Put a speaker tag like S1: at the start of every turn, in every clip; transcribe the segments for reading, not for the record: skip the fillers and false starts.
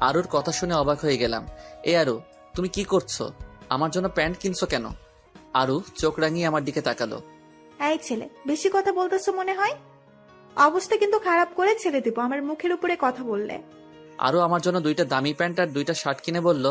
S1: আরুর কথা শুনে অবাক হয়ে গেলাম। এ আরু, তুমি কি করছো? আমার জন্য প্যান্ট কিনছো কেন? আরু চোখ রাঙিয়ে আমার দিকে তাকালো।
S2: এই ছেলে, বেশি কথা বলতেছো মনে হয়। অবস্থা কিন্তু খারাপ করে ছেড়ে দিব আমার মুখের উপরে কথা বললে।
S1: আরু আমার জন্য 2টা দামি প্যান্ট আর 2টা শার্ট কিনে বলল,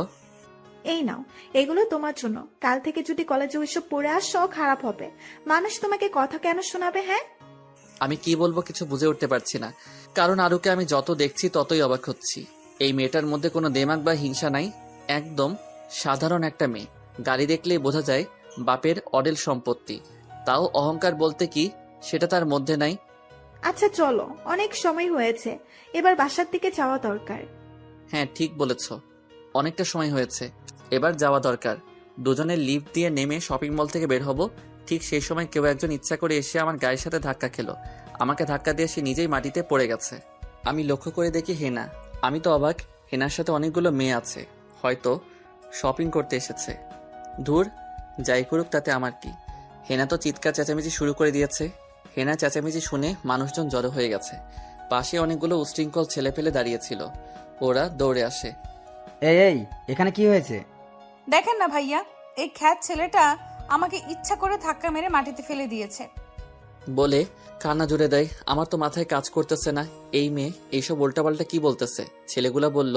S2: এই নাও, এগুলো তোমার জন্য। কাল থেকে যদি কলেজে ওইসব পরে আসো খারাপ হবে। মানুষ তোমাকে কথা কেন শোনাবে? হ্যাঁ,
S1: আমি কি বলবো কিছু বুঝে উঠতে পারছি না, কারণ আরুকে আমি যত দেখছি ততই অবাক হচ্ছি। এই মেয়েটার মধ্যে কোনো দেমাগ বা হিংসা নাই, একদম সাধারণ একটা মেয়ে। গাড়ি দেখলেই বোঝা যায় বাপের অডেল সম্পত্তি, তাও অহংকার বলতে কি সেটা তার মধ্যে নাই।
S2: আচ্ছা চলো, অনেক সময় হয়েছে, এবার বাসার দিকে যাওয়া দরকার।
S1: হ্যাঁ ঠিক বলেছ, অনেকটা সময় হয়েছে, এবার যাওয়া দরকার। দুজনের লিফট দিয়ে নেমে শপিং মল থেকে বের হব, ঠিক সেই সময় কেউ একজন ইচ্ছা করে এসে আমার গায়ের সাথে ধাক্কা খেলো। আমাকে ধাক্কা দিয়ে সে নিজেই মাটিতে পড়ে গেছে। আমি লক্ষ্য করে দেখি হেনা। আমি তো অবাক, হেনার সাথে অনেকগুলো মেয়ে আছে, হয়তো শপিং করতে এসেছে। ধুর, যাই করুক তাতে আমার কি। হেনা তো চিৎকার চেঁচামেচি শুরু করে দিয়েছে। হেনা চেঁচামেচি শুনে মানুষজন জড়ো হয়ে গেছে। পাশে অনেকগুলো উশৃঙ্খল ছেলে পেলে দাঁড়িয়েছিল, ওরা দৌড়ে আসে।
S3: এই এই এখানে কি হয়েছে?
S4: দেখেন না ভাইয়া, এই খ্যাত ছেলেটা আমাকে ইচ্ছা করে ধাক্কা মেরে মাটিতে ফেলে দিয়েছে।
S1: বলে কান্না জুড়ে দেয়। আমার তো মাথায় কাজ করতেছে না, এই মেয়ে এইসব উল্টাপাল্টা কি বলতেছে। ছেলেগুলা বলল,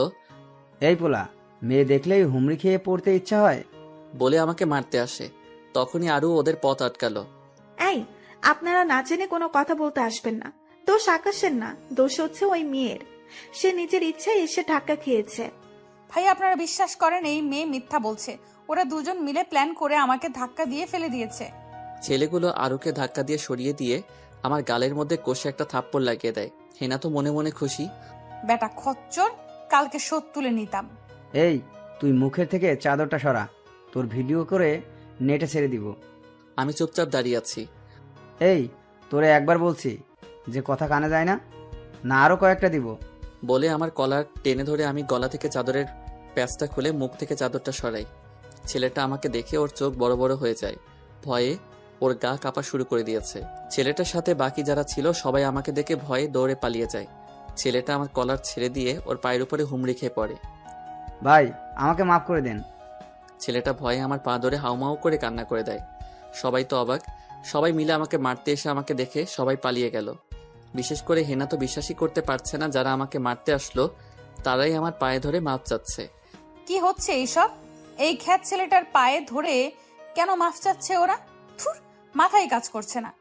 S3: এই পোলা, মেয়ে দেখলেই হুমড়ি খেয়ে পড়তে ইচ্ছা হয়।
S1: বলে আমাকে মারতে আসে। তখনই আরও ওদের পথ আটকালো।
S2: এই, আপনারা না জেনে কোনো কথা বলতে আসবেন না। দোষ আকাশের না, দোষ হচ্ছে ওই মেয়ের। সে নিজের ইচ্ছায় এসে ধাক্কা খেয়েছে।
S4: ভাইয়া আপনারা বিশ্বাস করেন এই মেয়ে মিথ্যা বলছে? ওরা দুজন মিলে প্ল্যান করে আমাকে ধাক্কা দিয়ে ফেলে দিয়েছে।
S1: ছেলেগুলো আরুকে ধাক্কা দিয়ে সরিয়ে দিয়ে আমার গালের মধ্যে কষে একটা থাপ্পড় লাগিয়ে দেয়। হেনা তো মনে মনে খুশি।
S4: বেটা খচ্চর, কালকে শোধ তুলে নিতাম।
S3: এই, তুই মুখের থেকে চাদরটা সরা, তোর ভিডিও করে নেটে ছেড়ে দিব।
S1: আমি চুপচাপ দাঁড়িয়ে আছি।
S3: এই, তোরে একবার বলছি যে কথা কানে যায় না, না আরো কয়েকটা দিব।
S1: বলে আমার কলার টেনে ধরে আমি গলা থেকে চাদরের প্যাঁচটা খুলে মুখ থেকে চাদরটা সরাই। ছেলেটা আমাকে দেখে ওর চোখ বড় বড় হয়ে যায়, ভয়ে ওর গা কাঁপা শুরু করে দিয়েছে। ছেলেটার সাথে বাকি যারা ছিল সবাই আমাকে দেখে ভয়ে দৌড়ে পালিয়ে যায়। ছেলেটা আমার কলার ছেড়ে দিয়ে ওর পায়ের উপরে হুমড়ি খেয়ে পড়ে।
S3: ভাই, আমাকে মাফ করে দেন।
S1: ছেলেটা ভয়ে আমার পা ধরে হাউমাউ করে কান্না করে দেয়। সবাই তো অবাক, সবাই মিলে আমাকে মারতে এসে আমাকে দেখে সবাই পালিয়ে গেল। বিশেষ করে হেনা তো বিশ্বাসই করতে পারছে না, যারা আমাকে মারতে আসলো তারাই আমার পায়ে ধরে মাপ চাচ্ছে।
S4: কি হচ্ছে এইসব? এই খ্যাত ছেলেটার পায়ে ধরে কেন মাফ চাচ্ছে ওরা? থুর, মাথায় কাজ করছে না।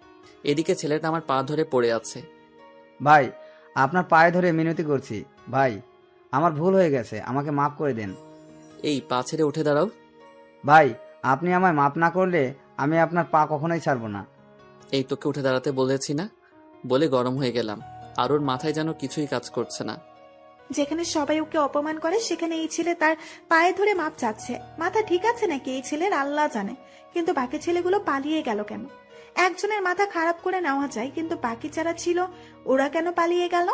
S1: এদিকে ছেলেটা আমার পা ধরে পড়ে আছে।
S3: ভাই, আপনার পায়ে ধরে মিনতি করছি। ভাই, আমার ভুল হয়ে গেছে, আমাকে মাফ করে দেন।
S1: এই পা ছেড়ে উঠে দাঁড়াও।
S3: ভাই, আপনি আমায় মাফ না করলে আমি আপনার পা কখনোই ছাড়বো না।
S1: এই তোকে উঠে দাঁড়াতে বলেছি না? বলে গরম হয়ে গেলাম। আর ওর মাথায় যেন কিছুই কাজ করছে না।
S2: যেখানে সবাই ওকে অপমান করে সেখানে এই ছেলে তার পায়ে ধরে মাপ চাচ্ছে। মাথা ঠিক আছে নাকি এই ছেলের আল্লাহ জানে। কিন্তু বাকি ছেলেগুলো পালিয়ে গেল কেন? একজনের মাথা খারাপ করে নেওয়া যায়, কিন্তু বাকি যারা ছিল ওরা কেন পালিয়ে গেল?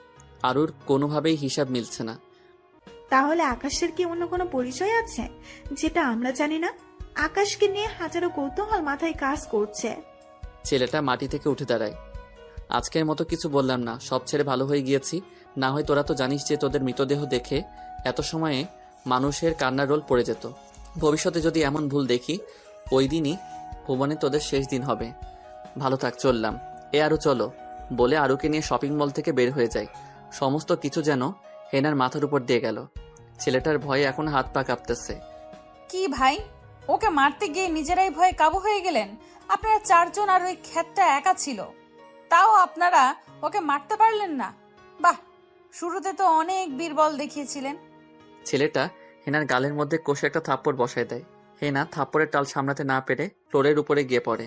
S1: আর ওর কোনোভাবেই হিসাব মিলছে না।
S2: তাহলে আকাশের কি অন্য কোনো পরিচয় আছে যেটা আমরা জানি না? আকাশকে নিয়ে হাজারো কৌতূহল মাথায় কাজ করছে।
S1: ছেলেটা মাটি থেকে উঠে দাঁড়ায়। আজকের মতো কিছু বললাম না, সব ছেড়ে ভালো হয়ে গিয়েছি। না হয় তোরা তো জানিস যে তোদের মৃতদেহ দেখে এত সময়ে মানুষের কান্নার রোল পড়ে যেত। ভবিষ্যতে যদি এমন ভুল দেখি, ওই দিনই ভুবনে তোদের শেষ দিন হবে। ভালো থাক, চললাম। এ আরও চলো, বলে আরুকে নিয়ে শপিং মল থেকে বের হয়ে যায়। সমস্ত কিছু যেন হেনার মাথার উপর দিয়ে গেল। ছেলেটার ভয়ে এখন হাত পা কাঁপতেছে।
S4: কি ভাই, ওকে মারতে গিয়ে নিজেরাই ভয়ে কাবু হয়ে গেলেন? আপনারা চারজন আর ওই খ্যাতটা একা ছিল, তাও আপনারা ওকে মারতে পারলেন না? বাহ, শুরুতে তো অনেক বীরবল দেখিয়েছিলেন।
S1: ছেলেটা হেনার গালের মধ্যে কষে একটা থাপ্পড় বসায় দেয়। হেনা থাপ্পড়ের টাল সামলাতে না পেরে ফ্লোরের উপরে গিয়ে পড়ে।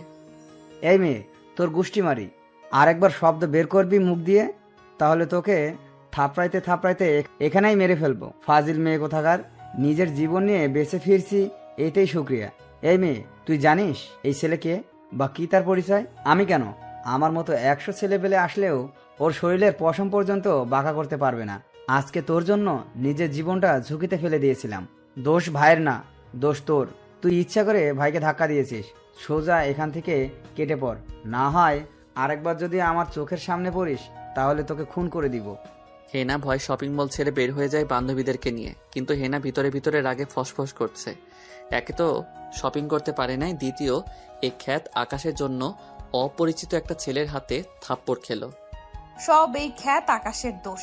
S3: এই মেয়ে, তোর গুষ্টি মারি। আর একবার শব্দ বের করবি মুখ দিয়ে, তাহলে তোকে থাপড়াইতে থাপড়াইতে এখানেই মেরে ফেলবো। ফাজিল মেয়ে কোথাকার, নিজের জীবন নিয়ে বেঁচে ফিরছি এইটাই শুক্রিয়া। এই মেয়ে, তুই জানিস এই ছেলেকে বা কি তার পরিচয়? আমি কেন, আমার মতো 100 ছেলে পেলে আসলেও ওর শরীরের পশম পর্যন্ত বাঁকা করতে পারবে না। আজকে তোর জন্য নিজের জীবনটা ঝুঁকিতে ফেলে দিয়েছিলাম। দোষ ভাইয়ের না, দোষ তোর। তুই ইচ্ছা করে ভাইকে ধাক্কা দিয়েছিস। সোজা এখান থেকে কেটে পড়, না হয় আরেকবার যদি আমার চোখের সামনে পড়িস তাহলে তোকে খুন করে দিব।
S1: হেনা ভয় শপিং মল ছেড়ে বের হয়ে যায় বান্ধবীদেরকে নিয়ে, কিন্তু হেনা ভিতরে ভিতরে রাগে ফসফস করছে। একে তো শপিং করতে পারে নাই, দ্বিতীয় এই খ্যাত আকাশের জন্য অপরিচিত একটা ছেলের হাতে থাপ্পড় খেলো।
S4: সব এই খ্যাত আকাশের দোষ।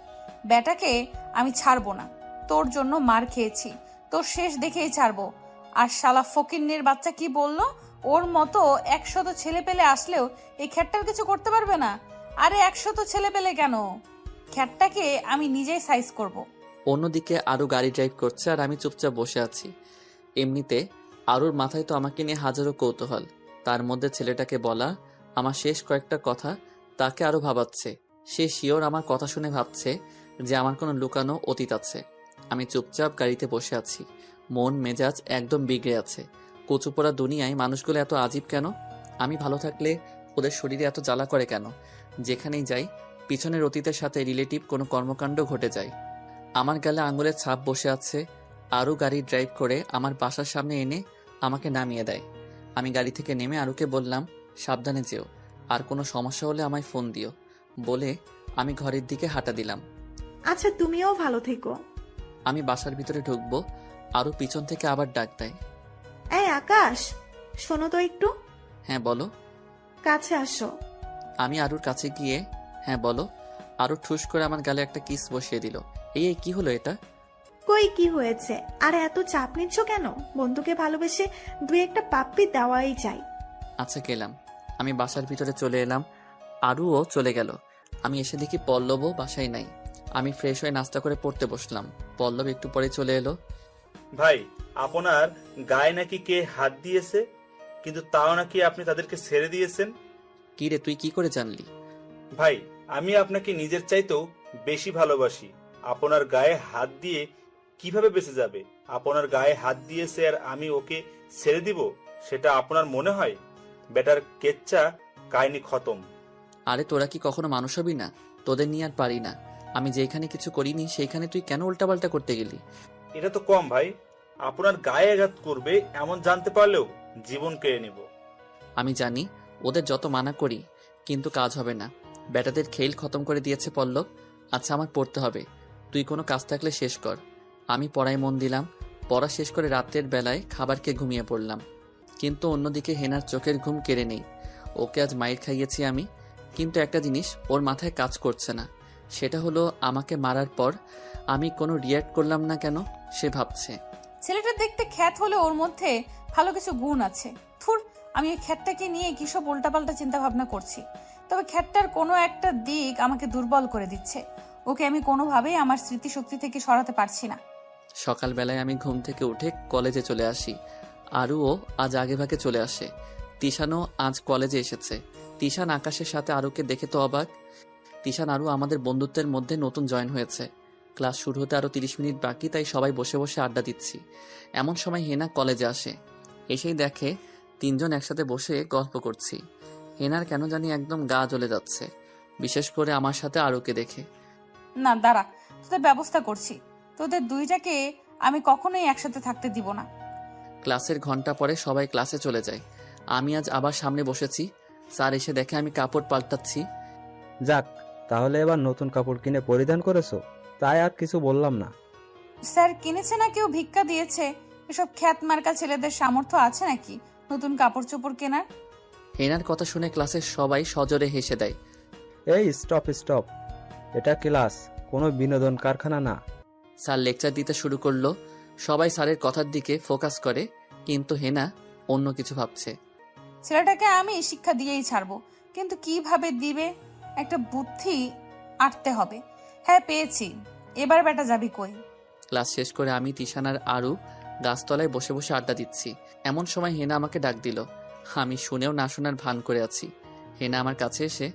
S4: বেটাকে আমি ছাড়বো না, তোর জন্য মার খেয়েছি, তোর শেষ দেখেই ছাড়বো। আর শালা ফকিন্নির বাচ্চা কি বললো, ওর মতো 100 ছেলে পেলে আসলেও এই খ্যাতটার কিছু করতে পারবে না। আরে 100 ছেলে পেলে কেন, খ্যাতটাকে আমি নিজেই সাইজ করব।
S1: অন্যদিকে আরও গাড়ি ড্রাইভ করছে আর আমি চুপচাপ বসে আছি। এমনিতে আরুর মাথায় তো আমাকে নিয়ে হাজারো কৌতূহল, তার মধ্যে ছেলেটাকে বলা আমার শেষ কয়েকটা কথা তাকে আরো ভাবাচ্ছে। সে শিওর আমার কথা শুনে ভাবছে যে আমার কোনো লুকানো অতীত আছে। আমি চুপচাপ গাড়িতে বসে আছি, মন মেজাজ একদম বিগড়ে আছে। কচুপোড়া দুনিয়ায় মানুষগুলো এত আজীব কেন? আমি ভালো থাকলে ওদের শরীরে এত জ্বালা করে কেন? যেখানেই যাই পিছনের অতীতের সাথে রিলেটিভ কোনো কর্মকাণ্ড ঘটে যায়। আমার গালে আঙুলের ছাপ বসে আছে। আরও গাড়ি ড্রাইভ করে আমার বাসার সামনে এনে আমাকে নামিয়ে দেয়। আমি গাড়ি থেকে নেমে আরুকে বললাম, সাবধানে যেও, আর কোনো সমস্যা হলে আমায় ফোন দিও বলে আমি ঘরের দিকে হাঁটা দিলাম।
S2: আচ্ছা, তুমিও ভালো থেকো।
S1: আমি বাসার ভিতরে ঢুকবো, আরও পিছন থেকে আবার ডাক দেয়।
S2: এই আকাশ, শোনো তো একটু।
S1: হ্যাঁ বলো।
S2: কাছে আসো।
S1: আমি আরুর কাছে গিয়ে হ্যাঁ বলো। আরও ঠুস করে আমার গালে একটা কিস বসিয়ে দিল। এই কি হলো এটা?
S2: কই কি হয়েছে? আর এত চাপ নিচ্ছ কেন? বন্ধুকে ভালোবেসে দুই একটা পাপ্পি দেওয়াই যায়।
S1: আচ্ছা গেলাম। আমি বাসার ভিতরে চলে এলাম, আরুও চলে গেল। আমি এসে দেখি পল্লবও বাসায় নাই। আমি ফ্রেশ হয়ে নাস্তা করে পড়তে বসলাম। পল্লব একটু পরে চলে এলো।
S5: ভাই, আপনার গায়ে নাকি কে হাত দিয়েছে, কিন্তু তাও নাকি আপনি তাদেরকে ছেড়ে দিয়েছেন।
S1: কি রে, তুই কি করে জানলি?
S5: ভাই, আমি আপনাকে নিজের চাইতেও বেশি ভালোবাসি। আপনার গায়ে হাত দিয়ে কিভাবে বেঁচে যাবে? আপনার গায়ে হাত দিয়েছে আর আমি ওকে ছেড়ে দিব, সেটা আপনার মনে হয়? বেটার কেচ্চা কাহিনী খতম।
S1: আরে তোরা কি কখনো মানুষ হবি না? তোদের নিয়ে আর পারি না। আমি যেখানে কিছু করিনি সেইখানে তুই কেন উল্টাপাল্টা করতে গেলি?
S5: এটা তো কম ভাই, আপনার গায়ে আঘাত করবে এমন জানতে পারলেও জীবন কেড়ে নেব।
S1: আমি জানি ওদের যত মানা করি, কিন্তু কাজ হবে না। ব্যাটাদের খেল খতম করে দিয়েছে পল্লব। আচ্ছা আমার পড়তে হবে, তুই কোনো কাজ থাকলে শেষ কর। আমি পড়ায় মন দিলাম। পড়া শেষ করে রাতের বেলায় খাবার খেয়ে ঘুমিয়ে পড়লাম। কিন্তু অন্যদিকে হেনার চোখের ঘুম কেড়ে নেই। ওকে আজ মাইর খাইয়েছি আমি, কিন্তু একটা জিনিস ওর মাথায় কাজ করছে না। সেটা হলো আমাকে মারার পর আমি কোনো রিয়্যাক্ট করলাম না কেন, সে ভাবছে।
S4: ছেলেটা দেখতে খ্যাত হলে ওর মধ্যে ভালো কিছু গুণ আছে। থুর, আমি এই খ্যাতটাকে নিয়ে কিসব উল্টাপাল্টা চিন্তা ভাবনা করছি। তবে খ্যাতটার কোনো একটা দিক আমাকে দুর্বল করে দিচ্ছে। ওকে আমি কোনোভাবেই আমার স্মৃতিশক্তি থেকে সরাতে পারছি না।
S1: সকালবেলায় আমি ঘুম থেকে উঠে কলেজে চলে আসি। আরুও আজ আগেভাগে চলে আসে। তিশানও আজ কলেজে এসেছে। তিশান আকাশের সাথে আরুকে দেখে তো অবাক। তিশান আরু আমাদের বন্ধুত্বের মধ্যে নতুন জয়েন হয়েছে। ক্লাস শুরু হতে আরো 30 মিনিট বাকি, তাই সবাই বসে বসে আড্ডা দিচ্ছি। এমন সময় হেনা কলেজে আসে। এসেই দেখে তিনজন একসাথে বসে গল্প করছি। হেনার কেন জানি একদম গা জ্বলে যাচ্ছে, বিশেষ করে আমার সাথে আরুকে দেখে।
S4: না দাঁড়া, তোদের ব্যবস্থা করছি। তোদের দুইটাকে আমি কখনোই একসাথে থাকতে দিব না।
S1: ক্লাসের ঘন্টা পরে সবাই ক্লাসে চলে যায়। আমি আজ আবার সামনে বসেছি। স্যার এসে দেখে আমি কাপড় পাল্টাচ্ছি।
S6: যাক, তাহলে এবার নতুন কাপড় কিনে পরিধান করেছো, তাই আর কিছু বললাম না।
S4: স্যার কিনেছে না কেউ ভিক্ষা দিয়েছে? এসব খ্যাত মার্কা ছেলেদের সামর্থ্য আছে নাকি নতুন কাপড় চোপড় কেনার?
S1: হেনার কথা শুনে ক্লাসের সবাই সজোরে হেসে দেয়।
S6: এই স্টপ স্টপ, এটা ক্লাস, কোনো বিনোদন কারখানা না।
S1: স্যার লেকচার দিতে শুরু করলো। সবাই স্যারের কথার দিকে ফোকাস করে, কিন্তু হেনা অন্য কিছু ভাবছে।
S4: ছেলেটাকে আমি শিক্ষা দিয়েই ছাড়বো, কিন্তু কিভাবে দিবে একটা বুদ্ধি আটতে হবে। হ্যাঁ পেয়েছি, এবার বেটা যাবি কই?
S1: ক্লাস শেষ করে আমি তিশান আর আরু গাছতলায় বসে বসে আড্ডা দিচ্ছি। এমন সময় হেনা আমাকে ডাক দিল। আমি শুনেও না শোনার ভান করে আছি। হেনা আমার কাছে এসে,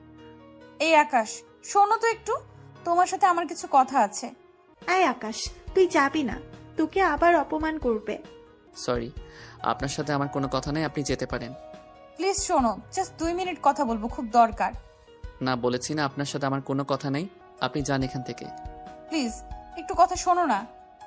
S4: এই আকাশ, শোনো তো একটু, তোমার সাথে আমার কিছু কথা আছে।
S2: এই আকাশ, তুই যাবি না, তোকে আবার অপমান করবে।
S1: সরি, আপনার সাথে আমার কোনো কথা নেই, আপনি যেতে পারেন।
S4: প্লিজ শোনো, জাস্ট 2 মিনিট কথা বলবো, খুব দরকার।
S1: না বলেছি না আপনার সাথে আমার কোনো কথা নেই, আপনি যান এখান থেকে।
S4: প্লিজ একটু কথা শোনো না।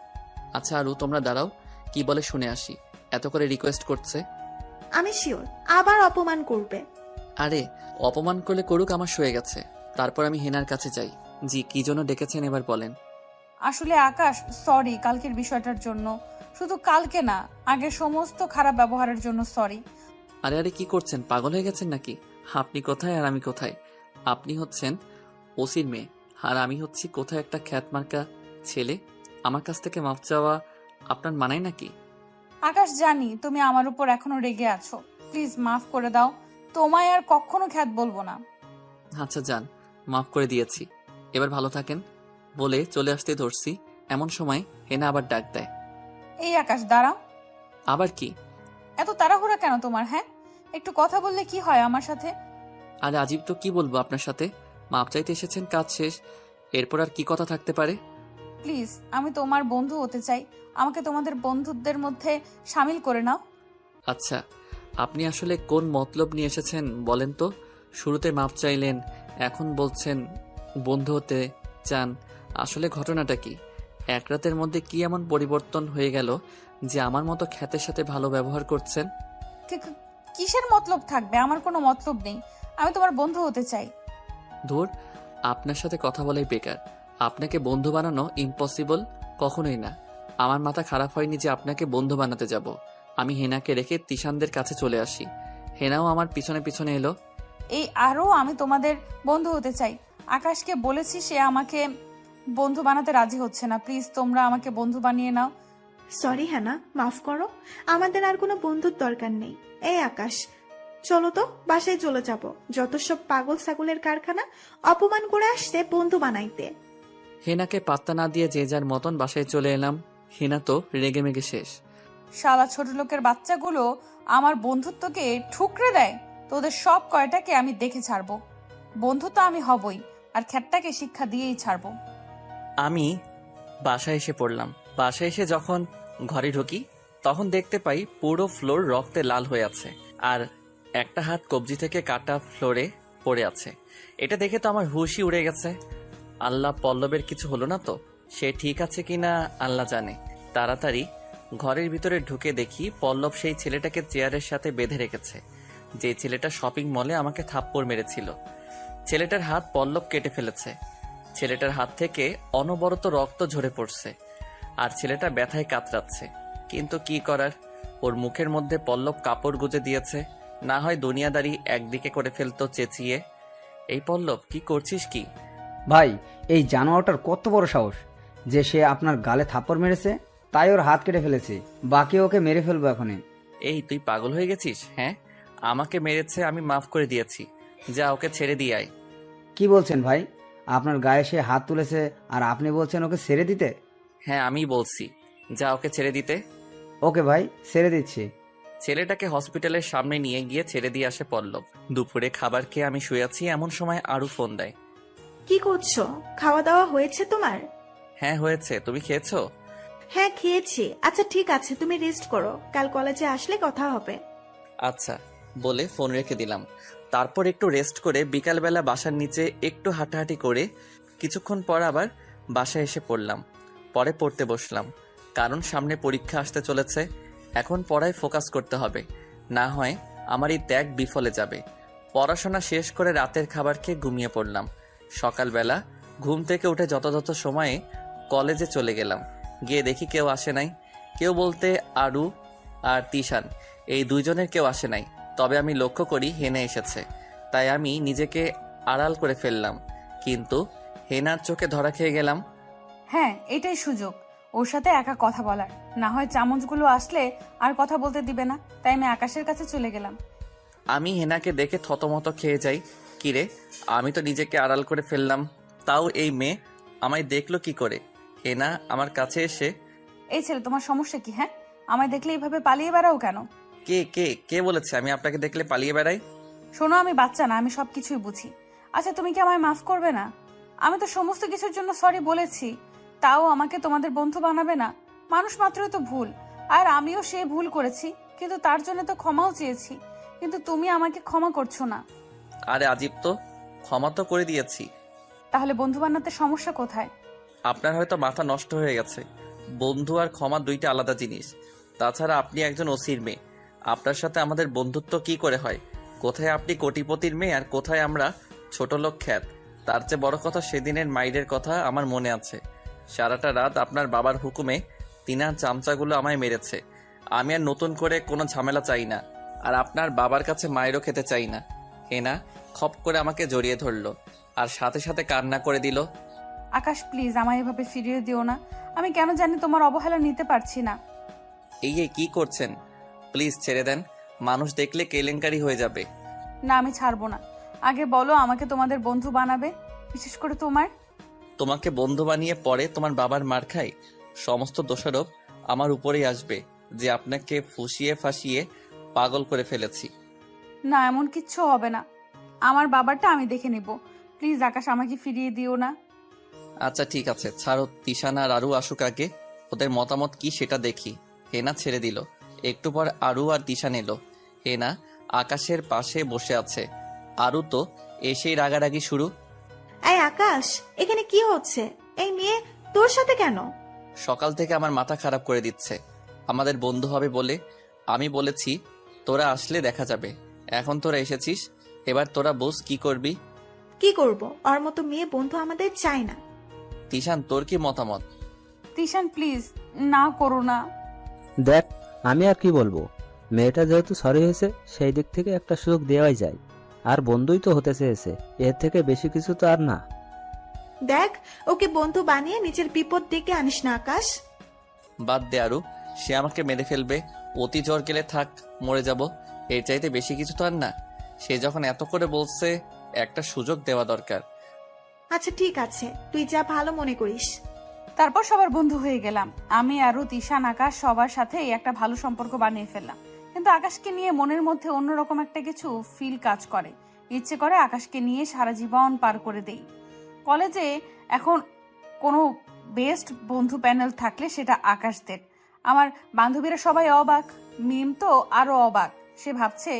S1: আচ্ছা আরু তোমরা দাঁড়াও, কি বলে শুনে আসি। এত করে রিকোয়েস্ট করছে।
S2: আমি শিওর আবার অপমান করবে।
S1: আরে অপমান করলে করুক, আমার সয়ে গেছে। তারপর আমি হেনার কাছে যাই। জি, কি জন্য ডেকেছেন এবার বলেন।
S4: আসলে আকাশ, সরি কালকের বিষয়টার জন্য। শুধু কালকে না, আগের সমস্ত খারাপ ব্যবহারের জন্য সরি।
S1: আরে আরে কি করছেন, পাগল হয়ে গেছেন নাকি? আপনি কোথায় আর আমি কোথায়? আপনি হচ্ছেন ওসির মেয়ে, আর আমি হচ্ছি কোথায় একটা খ্যাতমার্কা ছেলে। আমার কাছ থেকে মাফ চাওয়া আপনার মানায় নাকি?
S4: আকাশ, জানি তুমি আমার উপর এখনো রেগে আছো, প্লিজ মাফ করে দাও। তোমায় আর কখনো খ্যাত বলবো না।
S1: আচ্ছা যান, মাফ করে দিয়েছি, এবার ভালো থাকেন বলে চলে আসতে ধরছি, এমন সময় হেনা আবার ডাক দেয়।
S4: এই আকাশ, দাঁড়াও।
S1: আবার কি?
S4: এত তাড়াহুড়া কেন তোমার? হ্যাঁ, একটু কথা বললে কি হয় আমার সাথে?
S1: আরে আজিব তো, কি বলবো আপনার সাথে? মাপ চাইতে এসেছেন, কাজ শেষ, এরপর আর কি কথা থাকতে পারে?
S4: প্লিজ, আমি তোমার বন্ধু হতে চাই, আমাকে তোমাদের বন্ধুদের মধ্যে সামিল করে নাও।
S1: আচ্ছা, আপনি আসলে কোন মতলব নিয়ে এসেছেন বলেন তো? শুরুতে মাপ চাইলেন, এখন বলছেন বন্ধু হতে চান। আসলে ঘটনাটা কি? এক রাতের মধ্যে কি এমন পরিবর্তন হয়ে গেল যে আমার মতো খ্যাতের সাথে ভালো ব্যবহার করছেন?
S4: কিসের মতলব থাকবে? আমার কোনো মতলব নেই, আমি তোমার বন্ধু হতে চাই।
S1: ধুর, আপনার সাথে কথা বলাই বেকার। আপনাকে বন্ধু বানানো ইম্পসিবল, কখনোই না। আমার মাথা খারাপ হয়নি যে আপনাকে বন্ধু বানাতে যাব। আমি হেনাকে রেখে তিশানদের কাছে চলে আসি, হেনাও আমার পিছনে পিছনে এলো।
S4: এই আরও আমি তোমাদের বন্ধু হতে চাই। আকাশকে বলেছি, সে আমাকে বন্ধু বানাতে রাজি হচ্ছে না। প্লিজ তোমরা আমাকে বন্ধু বানিয়ে নাও।
S2: সরি হ্যানা, মাফ করো, আমাদের আর কোনো বন্ধুর দরকার নেই। এই আকাশ, চলো তো বাসায় চলে যাব। যত সব পাগল ছাগলের কারখানা, অপমান করে আসছে বন্ধু বানাইতে।
S1: হেনাকে পাত্তা না দিয়ে যে যার মতন বাসায় চলে এলাম। হেনা তো রেগে মেগে শেষ।
S4: শালা ছোট লোকের বাচ্চাগুলো আমার বন্ধুত্বকে ঠুকরে দেয়। তোদের সব কয়টাকে আমি দেখে ছাড়বো। বন্ধু তো আমি হবই, আর খ্যাটটাকে শিক্ষা দিয়েই ছাড়বো।
S1: আমি বাসায় এসে পড়লাম। বাসায় এসে যখন ঘরে ঢুকি তখন দেখতে পাই পুরো ফ্লোর রক্তে লাল হয়ে আছে, আর একটা হাত কবজি থেকে কাটা ফ্লোরে পড়ে আছে। এটা দেখে তো আমার হুশই উড়ে গেছে। আল্লাহ, পল্লবের কিছু হলো না তো? সে ঠিক আছে কিনা আল্লাহ জানে। তাড়াতাড়ি ঘরের ভিতরে ঢুকে দেখি পল্লব সেই ছেলেটাকে চেয়ারের সাথে বেঁধে রেখেছে, যে ছেলেটা শপিং মলে আমাকে থাপ্পড় মেরেছিল। ছেলেটার হাত পল্লব কেটে ফেলেছে। ছেলেটার হাত থেকে অনবরত রক্ত ঝরে পড়ছে, আর ছেলেটা ব্যথায় কাতরাচ্ছে। কিন্তু কি করার, ওর মুখের মধ্যে পল্লব কাপড় গুজে দিয়েছে, না হয় দুনিয়াদারি একদিকে করে ফেলতো চেঁচিয়ে। এই পল্লব, কি করছিস কি?
S3: ভাই, এই জানোয়ারটার কত বড় সাহস যে সে আপনার গালে থাপ্পড় মেরেছে, তাই ওর হাত কেটে ফেলেছে। বাকি ওকে মেরে ফেলবো এখনই।
S1: এই তুই পাগল হয়ে গেছিস? হ্যাঁ, আমাকে মেরেছে, আমি মাফ করে দিয়েছি, যা ওকে ছেড়ে দিয়ে আয়।
S3: কি বলছেন ভাই? আপনার গায়ে সে হাত তুলেছে আর আপনি বলছেন ওকে ছেড়ে দিতে?
S1: হ্যাঁ, আমি বলছি, যা ওকে ছেড়ে দিতে।
S3: ওকে ভাই, ছেড়ে দিচ্ছি।
S1: ছেলেটাকে হসপিটালের সামনে নিয়ে গিয়ে ছেড়ে দিয়ে আসে পল্লব। দুপুরে খাবার খেয়ে আমি শুয়ে আছি, এমন সময় আরু ফোন দেয়।
S2: কি করছো? খাওয়া দাওয়া হয়েছে তোমার?
S1: হ্যাঁ হয়েছে, তুমি খেয়েছো?
S2: হ্যাঁ খেয়েছি। আচ্ছা ঠিক আছে, তুমি রেস্ট করো, কাল কলেজে আসলে কথা হবে।
S1: আচ্ছা বলে ফোন রেখে দিলাম। তারপর একটু রেস্ট করে বিকালবেলা বাসার নিচে একটু হাঁটাহাঁটি করে কিছুক্ষণ পর আবার বাসায় এসে পড়লাম। পরে পড়তে বসলাম, কারণ সামনে পরীক্ষা আসতে চলেছে। এখন পড়ায় ফোকাস করতে হবে, না হয় আমার এই ত্যাগ বিফলে যাবে। পড়াশোনা শেষ করে রাতের খাবার খেয়ে ঘুমিয়ে পড়লাম। সকালবেলা ঘুম থেকে উঠে যথাযথ সময়ে কলেজে চলে গেলাম। গিয়ে দেখি কেউ আসে নাই। কেউ বলতে আরু আর তিশান, এই দুইজনের কেউ আসে নাই। তবে আমি লক্ষ্য করি হেনা এসেছে, তাই আমি নিজেকে আড়াল করে ফেললাম, কিন্তু হেনার চোখে ধরা খেয়ে গেলাম।
S4: হ্যাঁ, এটাই সুযোগ ওর সাথে একা কথা বলার, না হয় চামচগুলো আসলে আর কথা বলতে দিবে না। তাই আমি আকাশের কাছে চলে গেলাম।
S1: আমি হেনাকে দেখে থতমত খেয়ে যাই। কিরে, আমি তো নিজেকে আড়াল করে ফেললাম, তাও এই মেয়ে আমায় দেখলো কি করে? হেনা আমার কাছে এসে,
S4: এই ছেলে, তোমার সমস্যা কি? হ্যাঁ, আমায় দেখলে এইভাবে পালিয়ে বেড়াও কেন?
S1: কে কে কে বলেছে আমি আপনাকে দেখলে পালিয়ে বেড়াই?
S4: শোনো, আমি বাচ্চা না, আমি সবকিছুই বুঝি। আচ্ছা তুমি কি আমায় মাফ করবে না? আমি তো সমস্ত কিছুর জন্য সরি বলেছি, তাও আমাকে তোমাদের বন্ধু বানাবে না? মানুষ মাত্রই তো ভুল, আর আমিও সে ভুল করেছি, কিন্তু তার জন্য তো ক্ষমাও চেয়েছি, কিন্তু তুমি আমাকে ক্ষমা করছো না।
S1: আরে আজিব তো, ক্ষমা তো করে দিয়েছি।
S4: তাহলে বন্ধু বানাতে সমস্যা কোথায়?
S1: আপনার হয়তো মাথা নষ্ট হয়ে গেছে। বন্ধু আর ক্ষমা দুইটা আলাদা জিনিস। তাছাড়া আপনি একজন ওসির মেয়ে, আপনার সাথে আমাদের বন্ধুত্ব কি করে হয়? কোথায় আপনি কোটিপতির মেয়ে আর কোথায় আমরা ছোট লোক খ্যাত? তার চেয়ে বড় কথা সেদিনের মাইরের কথা আমার মনে আছে। সারাটা রাত আপনার বাবার হুকুমে তিনার চামচাগুলো আমায় মেরেছে। আমি আর নতুন করে কোনো ঝামেলা চাই না, আর আপনার বাবার কাছে মায়েরও খেতে চাই না। হেনা খপ করে আমাকে জড়িয়ে ধরলো আর সাথে সাথে কান্না করে দিল।
S4: আকাশ প্লিজ আমায় এভাবে ফিরিয়ে দিও না। আমি কেন জানি তোমার অবহেলা নিতে পারছি না।
S1: এই কি করছেন? প্লিজ ছেড়ে দেন, মানুষ দেখলে কেলেঙ্কারি হয়ে যাবে।
S4: না আমি ছাড়বো না। আগে বলো আমাকে তোমাদের বন্ধু বানাবে, বিশেষ করে তোমার।
S1: তোমাকে বন্ধু বানিয়ে পরে তোমার বাবার মার খাই, সমস্ত দোষারোপ আমার উপরেই আসবে যে আপনাকে ফুসিয়ে ফাঁসিয়ে পাগল করে ফেলেছি।
S4: না এমন কিচ্ছু হবে না, আমার বাবারটা আমি দেখে নেব। প্লিজ আকাশ আমাকে ফিরিয়ে দিও না।
S1: আচ্ছা ঠিক আছে, ছাড়ো। তিশান আর আরু আসুক আগে, ওদের মতামত কি সেটা দেখি। হেনা ছেড়ে দিল। একটু পর আরু আর তিশান এলো। হেনা আকাশের পাশে বসে আছে, আরু তো এসেই রাগারাগি শুরু।
S2: এই আকাশ, এখানে কি হচ্ছে? এই মেয়ে তোর সাথে কেন?
S1: সকাল থেকে আমার মাথা খারাপ করে দিচ্ছে। আমাদের বন্ধু হবে বলে আমি বলেছি তোরা আসলে দেখা যাবে। এখন তোরা এসেছিস, এবার তোরা বোস কি করবি।
S2: কি করব? ওর মতো মেয়ে বন্ধু আমাদের চাই না।
S1: তিশান তোর কি মতামত?
S4: তিশান প্লিজ না করো না।
S6: দেখ, আমি আর কি বলবো। মেয়েটা যেহেতু সরি হয়েছে, সেই দিক থেকে একটা সুযোগ দেওয়াই যায়। আর বন্ধুই তো হতে চেয়েছে, এর থেকে বেশি কিছু তো আর না।
S2: দেখ, ওকে বন্ধু বানিয়ে নিজের বিপদ ডেকে আনিস না আকাশ।
S1: বাদ দে আরু, সে আমাকে মেরে ফেলবে। অতি জ্বর গেলে থাক, মরে যাব। এর চাইতে বেশি কিছু তো আর না। সে যখন এত করে বলছে, একটা সুযোগ দেওয়া দরকার।
S2: আচ্ছা ঠিক আছে, তুই যা ভালো মনে করিস।
S4: তারপর সবার বন্ধু হয়ে গেলাম। আমি আরু, তিশান, আকাশ সবার সাথে একটা ভালো সম্পর্ক বানিয়ে ফেললাম। কিন্তু আকাশকে নিয়ে মনের মধ্যে অন্যরকম একটা কিছু ফিল কাজ করে। ইচ্ছে করে আকাশকে নিয়ে সারা জীবন পার করে দেই। কলেজে এখন কোনো বেস্ট বন্ধু প্যানেল থাকলে সেটা আকাশদের। আমার বান্ধবীরা সবাই অবাক, মিম তো আরো অবাক। সে ভাবছে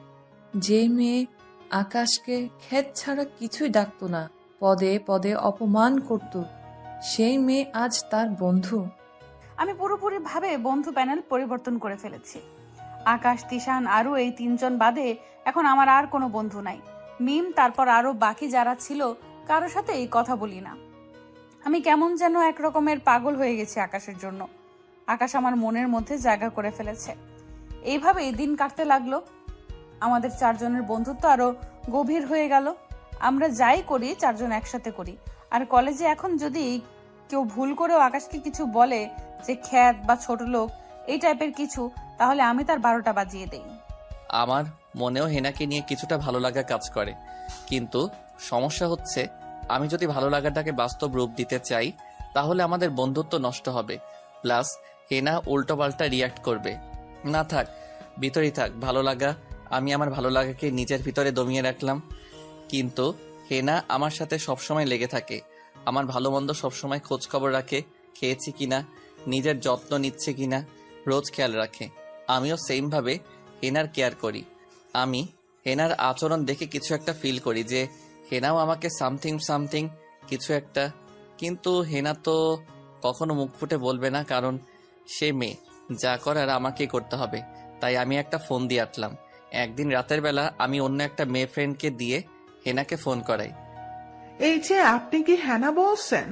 S7: যে মেয়ে আকাশকে ক্ষেত ছাড়া কিছুই ডাকতো না, পদে পদে অপমান করত, সেই মেয়ে আজ তার বন্ধু।
S4: আমি পুরোপুরি ভাবে বন্ধু প্যানেল পরিবর্তন করে ফেলেছি। আকাশ, তিশান, আরু এই তিনজন বাদে এখন আমার আর কোনো বন্ধু নাই। মিম, তারপর আরো বাকি যারা ছিল কারোর সাথে এই কথা বলি না। আমি কেমন যেন এক রকমের পাগল হয়ে গেছি আকাশের জন্য। আকাশ আমার মনের মধ্যে জায়গা করে ফেলেছে। এইভাবেই দিন কাটতে লাগলো। আমাদের চারজনের বন্ধুত্ব আরো গভীর হয়ে গেল। আমরা যাই করি চারজন একসাথে করি। আর কলেজে এখন যদি কেউ ভুল করেও আকাশকে কিছু বলে যে খ্যাত বা ছোট লোক এই টাইপের কিছু, তাহলে আমি তার 12টা বাজিয়ে দেই।
S1: আমার মনেও হেনাকে নিয়ে কিছুটা ভালো লাগা কাজ করে, কিন্তু সমস্যা হচ্ছে আমি যদি ভালো লাগাটাকে বাস্তব রূপ দিতে চাই তাহলে আমাদের বন্ধুত্ব নষ্ট হবে। প্লাস হেনা উল্টোপাল্টা রিয়াক্ট করবে। না থাক, ভিতরেই থাক ভালো লাগা। আমি আমার ভালো লাগাকে নিজের ভিতরে দমিয়ে রাখলাম, কিন্তু হেনা আমার সাথে সবসময় লেগে থাকে। আমার ভালো মন্দ সবসময় খোঁজ খবর রাখে, খেয়েছি কিনা, নিজের যত্ন নিচ্ছে কিনা রোজ খেয়াল রাখে। আমিও সেম ভাবে হেনার কেয়ার করি। আমি হেনার আচরণ দেখে কিছু একটা ফিল করি যে হেনাও আমাকে সামথিং কিছু একটা। কিন্তু হেনা তো কখনো মুখ ফুটে বলবে না, কারণ সে মেয়ে, যা করার আমাকেই করতে হবে। তাই আমি একটা ফোন দিয়ে আটলাম। একদিন রাতের বেলা আমি অন্য একটা মেয়ে ফ্রেন্ডকে দিয়ে হেনাকে ফোন করাই।
S8: এই যে, আপনি কি হেনা বলছেন?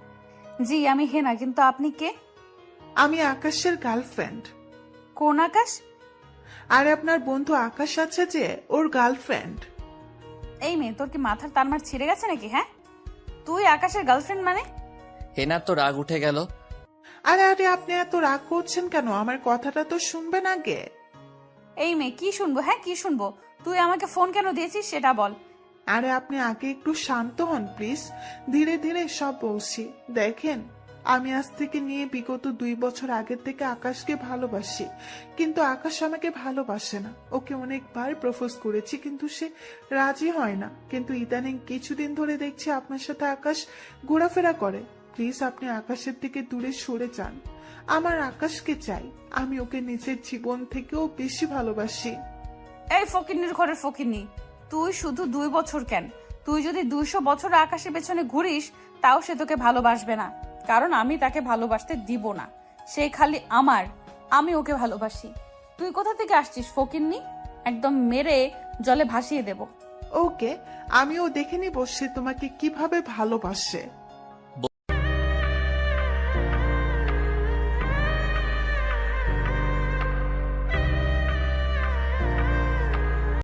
S4: জি আমি হেনা, কিন্তু আপনি কে?
S8: আমি আকাশের গার্লফ্রেন্ড।
S4: কোন আকাশ?
S8: আর আপনার বন্ধু আকাশ আছে যে, ওর গার্লফ্রেন্ড।
S4: এই মেয়ে, তোর কি মাথার তারমার ছিঁড়ে গেছে নাকি? হ্যাঁ, তুই আকাশের গার্লফ্রেন্ড মানে?
S1: হেনার তো রাগ উঠে গেল।
S8: আরে আরে, আপনি এত রাগ করছেন কেন? আমার কথাটা তো শুনবেন আগে।
S4: এই মেয়ে, কি শুনবো? হ্যাঁ কি শুনবো? তুই আমাকে ফোন কেন দিয়েছিস সেটা বল।
S8: আরে আপনি আগে একটু শান্ত হন প্লিজ, ধীরে ধীরে সব বলছি। দেখেন, আমি আজ থেকে নিয়ে বিগত 2 বছর আগের থেকে আকাশকে ভালোবাসি, কিন্তু আকাশ আমাকে ভালোবাসে না। ওকে অনেকবার প্রপোজ করেছি, কিন্তু সে রাজি হয় না। কিন্তু ইদানিং কিছুদিন ধরে দেখছি আপনার সাথে আকাশ ঘোরাফেরা করে। প্লিজ আপনি আকাশের থেকে দূরে সরে যান। আমার আকাশকে চাই, আমি ওকে নিজের জীবন থেকেও বেশি ভালোবাসি।
S4: এই ফকিন্নির ঘরের ফকিন্নি, তুই শুধু 2 বছর কেন, তুই যদি 200 বছর আকাশের পেছনে ঘুরিস তাও সে তোকে ভালোবাসবে না, কারণ আমি তাকে ভালোবাসতে দিব না। সে খালি আমার, আমি ওকে ভালোবাসি। তুই কোথা থেকে আসছিস ফকিন্নি? একদম মেরে জলে ভাসিয়ে দেব।
S8: ওকে, আমিও দেখে নিব সে তোমাকে কিভাবে ভালোবাসে।